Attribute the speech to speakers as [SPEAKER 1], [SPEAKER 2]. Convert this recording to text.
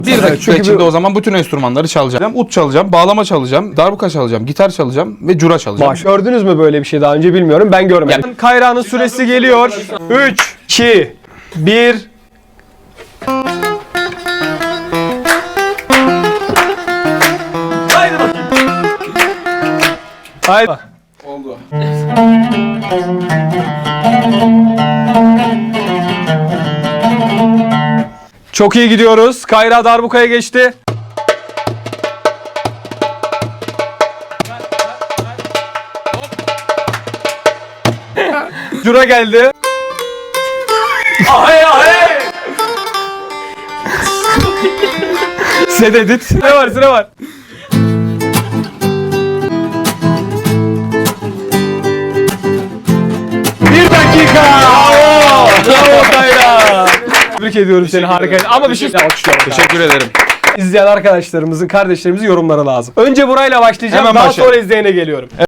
[SPEAKER 1] Bir dakika içinde o zaman bütün enstrümanları çalacağım. Ut çalacağım, bağlama çalacağım, darbuka çalacağım, gitar çalacağım ve cura çalacağım.
[SPEAKER 2] Gördünüz mü böyle bir şey daha önce bilmiyorum. Ben görmedim. Yani Kayra'nın süresi geliyor. 3, 2, 1. Haydi bakayım. Haydi.
[SPEAKER 1] Oldu.
[SPEAKER 2] Çok iyi gidiyoruz. Kayra darbukaya geçti. Cura geldi. Ahay ahay. Sededit. Ne var sıra var. Bir dakika. Bravo. Bravo Kayra. Tebrik ediyorum seni, harika. Ama bir şey alkışlıyorum.
[SPEAKER 1] Teşekkür ederim.
[SPEAKER 2] İzleyen arkadaşlarımızın, kardeşlerimizin yorumları lazım. Önce burayla başlayacağım.
[SPEAKER 1] Hemen
[SPEAKER 2] daha
[SPEAKER 1] başlayalım.
[SPEAKER 2] sonra izleyene geliyorum.